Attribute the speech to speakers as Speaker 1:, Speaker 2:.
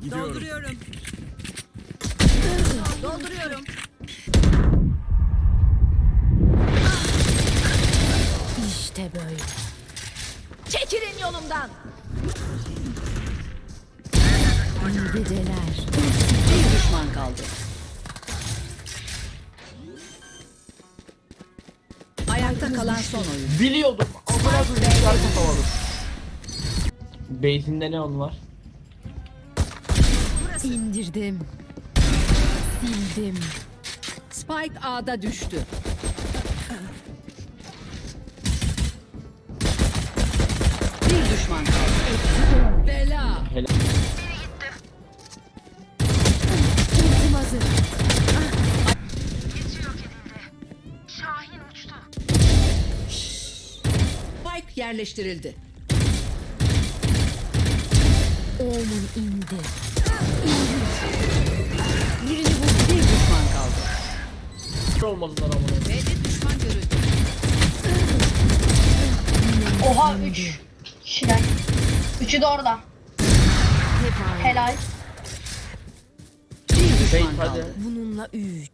Speaker 1: Gidiyorum.
Speaker 2: Dolduruyorum. Dolduruyorum.
Speaker 3: İşte böyle. Çekilin yolumdan. İyi geceler.
Speaker 2: Bir düşman kaldı. Ayakta kalan son oyun.
Speaker 4: Biliyordum. Amına koyayım şarkı havalı. Base'inde ne on var?
Speaker 3: İndirdim. Sildim.
Speaker 2: Spike A'da düştü. Bir düşman kaldı. Bela.
Speaker 4: Helal.
Speaker 3: Ultim hazır.
Speaker 2: Spike yerleştirildi.
Speaker 3: Oğlum indi.
Speaker 2: Birini vurdu. Bir düşman kaldı.
Speaker 4: Hiç olmadılar amına.
Speaker 2: B'de düşman görüldü.
Speaker 5: Oha 3 kişiler. Üçü de orada.
Speaker 3: Hep aynı.
Speaker 5: Helal.
Speaker 2: Bir
Speaker 4: Base
Speaker 2: düşman
Speaker 4: hadi.
Speaker 2: kaldı.
Speaker 3: Bununla 3.